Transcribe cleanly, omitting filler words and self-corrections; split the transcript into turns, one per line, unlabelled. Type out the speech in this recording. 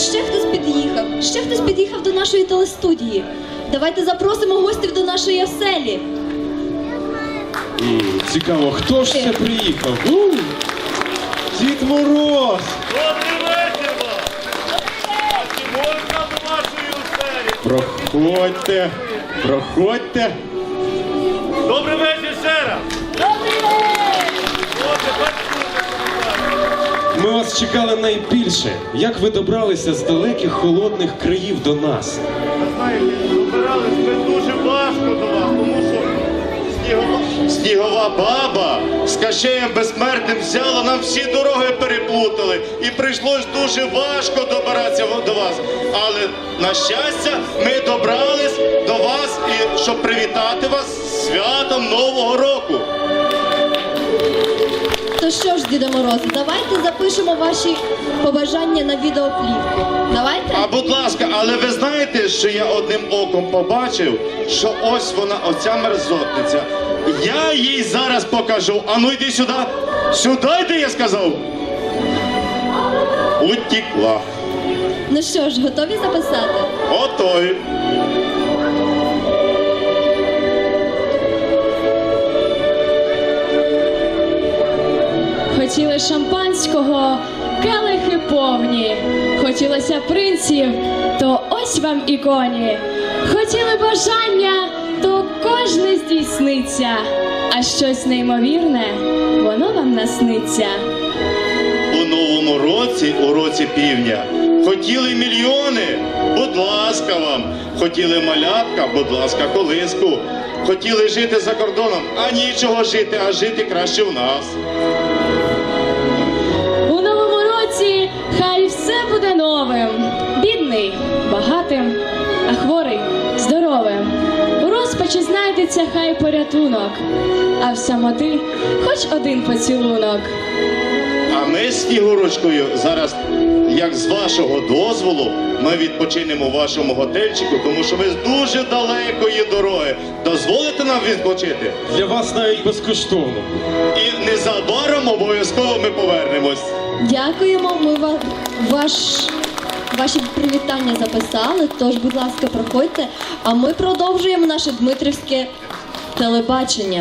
Ще хтось під'їхав до нашої телестудії. Давайте запросимо гостів до нашої оселі.
Цікаво, хто ж це приїхав? Дід Мороз!
Добрий вечір вам! А чи можна до вашої оселі?
Проходьте, проходьте.
Добрий вечір ще раз! Добрий вечір!
Ми вас чекали найбільше. Як ви добралися з далеких холодних країв до нас?
Ви знаєте, добирались ми дуже важко до вас, тому що снігова баба з Кащеєм Безсмертним взяла, нам всі дороги переплутали. І прийшлось дуже важко добиратися до вас. Але, на щастя, ми добрались до вас, і щоб привітати вас з святом Нового року.
То що ж, Діде Мороз, давайте запишемо ваші побажання на відеоплівку. Давайте?
А будь ласка, але ви знаєте, що я одним оком побачив, що ось вона, оця мерзотниця. Я їй зараз покажу. А ну йди сюди. Сюди йди, я сказав. Утікла.
Ну що ж, готові записати?
Готові.
Хотіли шампанського, келихи повні. Хотілося принців, то ось вам і коні. Хотіли бажання, то кожне здійсниться. А щось неймовірне, воно вам насниться.
У новому році, у році півня, хотіли мільйони, будь ласка вам. Хотіли малятка, будь ласка, колиску. Хотіли жити за кордоном, а нічого жити, а жити краще в нас.
У новому році хай все буде новим. Бідний – багатим, а хворий – здоровим. У розпачі знайдеться хай порятунок, а в самоти хоч один поцілунок.
А ми з Снігурочкою зараз, як з вашого дозволу, ми відпочинемо в вашому готельчику, тому що ми з дуже далекої дороги. Дозволите нам відпочити?
Для вас навіть безкоштовно.
І незабаром обов'язково ми повернемось.
Дякуємо, ми ваші привітання записали, тож, будь ласка, проходьте. А ми продовжуємо наше дмитрівське телебачення.